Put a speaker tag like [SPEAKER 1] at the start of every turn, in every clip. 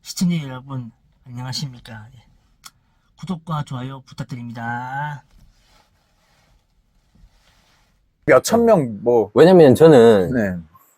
[SPEAKER 1] 시청자 여러분 안녕하십니까. 예. 구독과 좋아요 부탁드립니다.
[SPEAKER 2] 몇천 명, 뭐,
[SPEAKER 3] 왜냐면 저는
[SPEAKER 2] 네,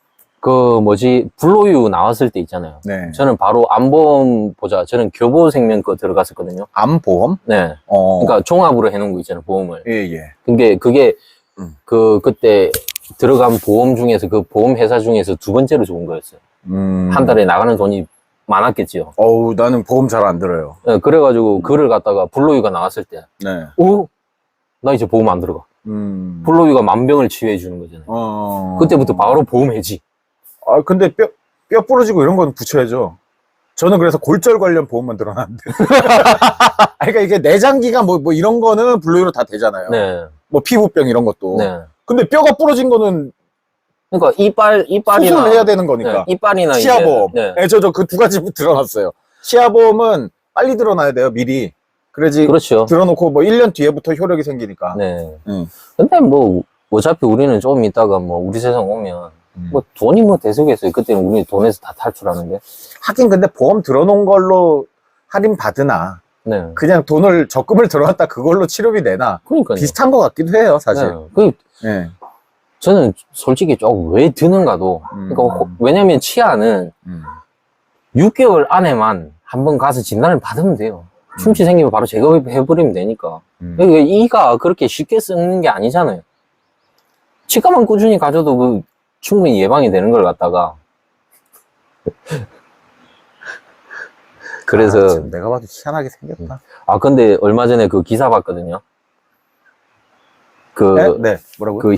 [SPEAKER 3] 불로유 나왔을 때 있잖아요.
[SPEAKER 2] 네.
[SPEAKER 3] 저는 바로 암보험 보자. 저는 교보생명 거 들어갔었거든요.
[SPEAKER 2] 암보험?
[SPEAKER 3] 네. 그러니까 종합으로 해놓은 거 있잖아요, 보험을.
[SPEAKER 2] 예, 예.
[SPEAKER 3] 근데 그게 그때 들어간 보험 중에서 그 보험 회사 중에서 두 번째로 좋은 거였어요. 한 달에 나가는 돈이 많았겠지요.
[SPEAKER 2] 어우, 나는 보험 잘 안 들어요.
[SPEAKER 3] 네, 그래가지고 그를 갖다가 불로유가 나왔을 때,
[SPEAKER 2] 네.
[SPEAKER 3] 나 이제 보험 안 들어가. 불로유가 만병을 치유해 주는 거잖아요. 그때부터 바로 보험 해지.
[SPEAKER 2] 아, 근데 뼈 부러지고 이런 건 붙여야죠. 저는 그래서 골절 관련 보험만 들어놨는데. 그러니까 이게 내장기가 뭐 이런 거는 분류로 다 되잖아요.
[SPEAKER 3] 네.
[SPEAKER 2] 뭐 피부병 이런 것도.
[SPEAKER 3] 네.
[SPEAKER 2] 근데 뼈가 부러진 거는
[SPEAKER 3] 그러니까 이빨이나
[SPEAKER 2] 수술을 해야 되는 거니까.
[SPEAKER 3] 네, 이빨이나
[SPEAKER 2] 치아보험.
[SPEAKER 3] 이제, 네.
[SPEAKER 2] 네, 저 그 두 가지 들어놨어요. 치아보험은 빨리 들어놔야 돼요, 미리. 그래야지
[SPEAKER 3] 그렇죠.
[SPEAKER 2] 들어놓고 뭐 1년 뒤에부터 효력이 생기니까.
[SPEAKER 3] 네. 근데 뭐 어차피 우리는 조금 있다가 뭐 우리 세상 오면 뭐 돈이 뭐 대수겠어요. 그때는 우리 돈에서 다 탈출하는데.
[SPEAKER 2] 하긴 근데 보험 들어놓은 걸로 할인 받으나
[SPEAKER 3] 네.
[SPEAKER 2] 그냥 돈을 적금을 들어놨다 그걸로 치료비 내나
[SPEAKER 3] 그러니까요.
[SPEAKER 2] 비슷한 것 같기도 해요, 사실.
[SPEAKER 3] 네.
[SPEAKER 2] 네.
[SPEAKER 3] 저는 솔직히 조금 왜 드는가도. 그러니까 왜냐면 치아는 6개월 안에만 한번 가서 진단을 받으면 돼요. 충치 생기면 바로 제거해버리면 되니까. 그러니까 이가 그렇게 쉽게 쓰는 게 아니잖아요. 치과만 꾸준히 가져도 충분히 예방이 되는 걸 갖다가. 그래서.
[SPEAKER 2] 지금 내가 봐도 희한하게 생겼다.
[SPEAKER 3] 근데 얼마 전에 그 기사 봤거든요.
[SPEAKER 2] 네? 뭐라고요?